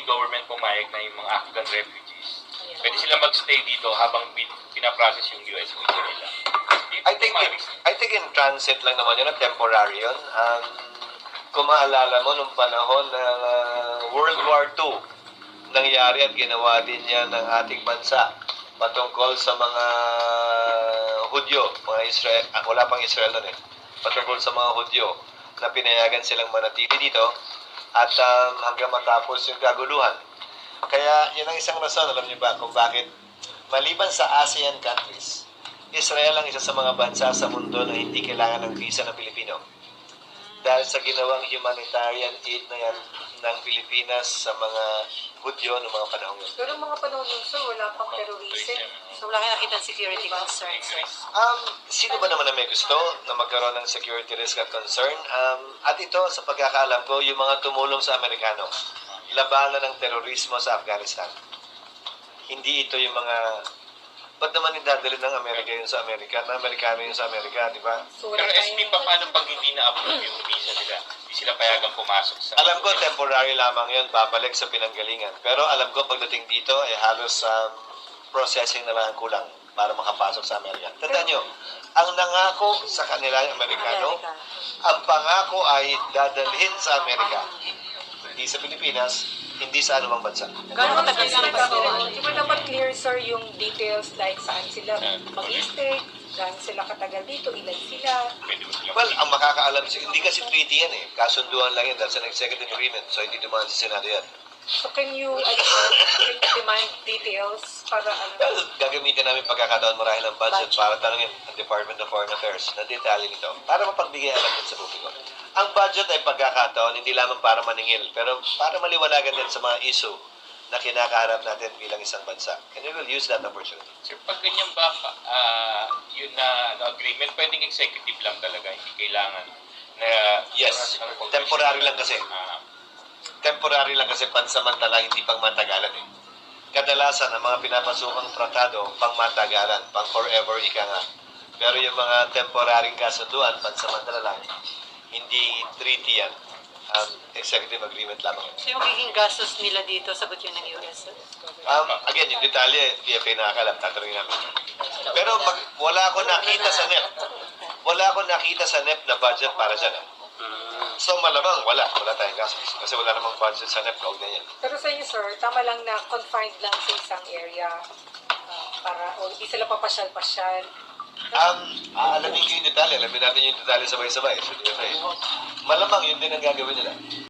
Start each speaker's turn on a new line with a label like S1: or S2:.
S1: government pumayag na yung mga Afghan refugees, pwede sila magstay dito habang pinaprocess yung US visa nila.
S2: I think in transit lang naman yun, temporary yun. Kung maalala mo, nung panahon ng World War II, nangyari at ginawa din yan ng ating bansa patungkol sa mga Hudyo, mga Israel, wala pang Israel nun eh, patungkol sa mga Hudyo na pinayagan silang manatili dito at hanggang matapos yung kaguluhan. Kaya yun ang isang rason, alam niyo ba, kung bakit maliban sa ASEAN countries, Israel ang isa sa mga bansa sa mundo na hindi kailangan ng visa ng Pilipino. Dahil sa ginawang humanitarian aid na yan ng Pilipinas sa mga Hudyo noong mga panahon yun.
S3: Pero mga panahon nun, sir, wala pang terrorism.
S4: So wala kayo nakita security concerns, sir?
S2: Sino ba naman na may gusto na magkaroon ng security risk at concern? At ito, sa pagkakaalam ko, yung mga tumulong sa Amerikano, labanan ng terorismo sa Afghanistan. Hindi ito yung mga... Ba't naman idadali ng Amerika yun sa Amerika? Na Amerikano yun sa Amerika, di ba?
S3: So,
S1: Pero SP pa, paano pag hindi na-approve yung visa nila? Hindi sila payagang pumasok sa...
S2: Alam ko, temporary lamang yun, babalik sa pinanggalingan. Pero alam ko, pagdating dito, halos processing na lang ang kulang para makapasok sa Amerika. Tandaan nyo, ang nangako sa kanila yung Amerikano, ang pangako ay dadalhin sa Amerika. Hindi sa Pilipinas, hindi sa anumang bansa.
S4: Gano'n matagal sila pa doon?
S3: Di ba dapat clear, sir, yung details like saan sila mag-stay, saan sila katagal dito, ilan sila.
S1: Pwede mo sila
S2: Well, ang makakaalam, hindi kasi treaty yan eh. Kasunduan lang yan, that's an executive agreement. So, hindi dumaan sa Senado yan.
S3: So can you demand details para
S2: Well, gagamitin namin pagkakataon marahil ng budget para tanungin ang Department of Foreign Affairs na detalye nito para mapagbigay alam din sa publiko. Ang budget ay pagkakataon hindi lamang para maningil, pero para maliwanagan din sa mga issue na kinakaharap natin bilang isang bansa. And we will use that opportunity.
S1: Sir, pag ganyan ba, yun na agreement, pwedeng executive lang talaga, hindi kailangan na...
S2: Yes, temporary lang kasi. Temporary lang kasi pansamantala, hindi pang matagalan eh. Kadalasan, ang mga pinapasukang tratado, pang matagalan, pang forever, ika nga. Pero yung mga temporaryong kasunduan, pansamantala lang, hindi treaty yan. Executive agreement lamang.
S4: So yung magiging gastos nila dito, sagot yun ng US, sir?
S2: Again, yung detalye, DFA nakakalam, tatanungin namin. Pero wala akong nakita sa NEP. Wala akong nakita sa NEP na budget para dyan eh. So malamang wala tayong gastos kasi wala namang budget sa NEP na yan.
S3: Pero sa inyo, sir, tama lang na confined lang sa isang area para o hindi sila papasyal-pasyal.
S2: Alamin ko yung detalye, alamin natin yung detalye sabay-sabay. So, DFA. Malamang yun din ang gagawin nila.